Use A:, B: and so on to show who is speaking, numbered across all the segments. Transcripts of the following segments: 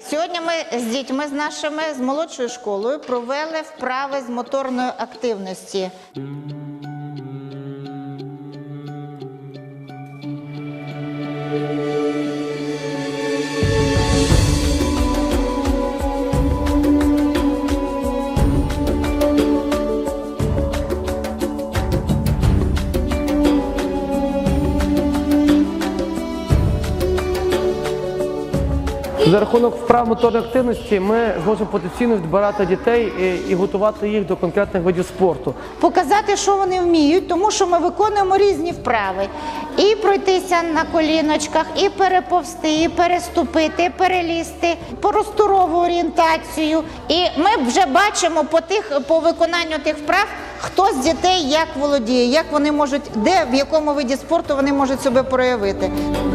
A: Сьогодні ми з дітьми, з нашими, з молодшою школою провели вправи з моторної активності.
B: За рахунок вправ моторної активності ми зможемо потенційно відбирати дітей і готувати їх до конкретних видів спорту.
A: Показати, що вони вміють, тому що ми виконуємо різні вправи. І пройтися на коліночках, і переповзти, і переступити, і перелізти, просторову орієнтацію. І ми вже бачимо по виконанню тих вправ, хто з дітей як володіє, як вони можуть, де, в якому виді спорту вони можуть себе проявити.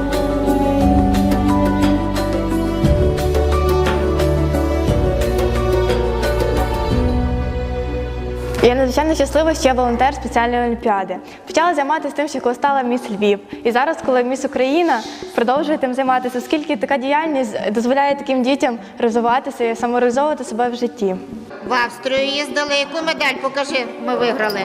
C: Я надзвичайно щаслива, що я волонтер спеціальної олімпіади. Почала займатися тим, що коли стала міс Львів. І зараз, коли міс Україна, продовжую тим займатися, оскільки така діяльність дозволяє таким дітям розвиватися і самореалізовувати себе в житті.
A: В Австрію їздили. Яку медаль, покажи, ми виграли?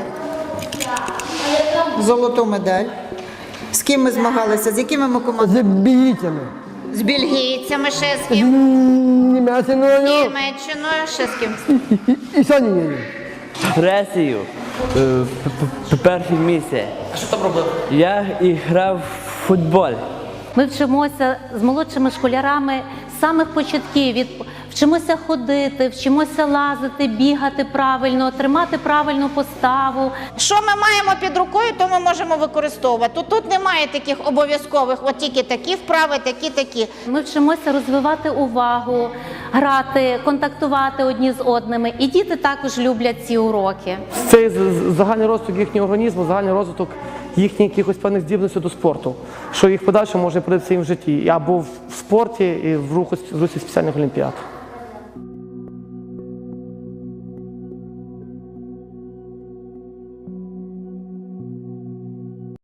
A: Золоту медаль. З ким ми змагалися? З якими ми командами?
D: З бельгійцями.
A: З бельгійцями, ще з ким?
D: Німеччиною.
A: Німеччиною, ще з ким?
D: І Сонією.
E: Грецію. Перше місце.
B: А що там робив?
E: Я грав в футбол.
F: Ми вчимося з молодшими школярами з самих початків. Вчимося ходити, вчимося лазити, бігати правильно, тримати правильну поставу.
A: Що ми маємо під рукою, то ми можемо використовувати. Тут немає таких обов'язкових, от тільки такі вправи, такі.
F: Ми вчимося розвивати увагу, грати, контактувати одні з одними. І діти також люблять ці уроки.
B: Це загальний розвиток їхнього організму, загальний розвиток їхніх якихось певних здібностей до спорту, що їх подальше може пригодитися їм в житті або в спорті, і в русі спеціальних олімпіад.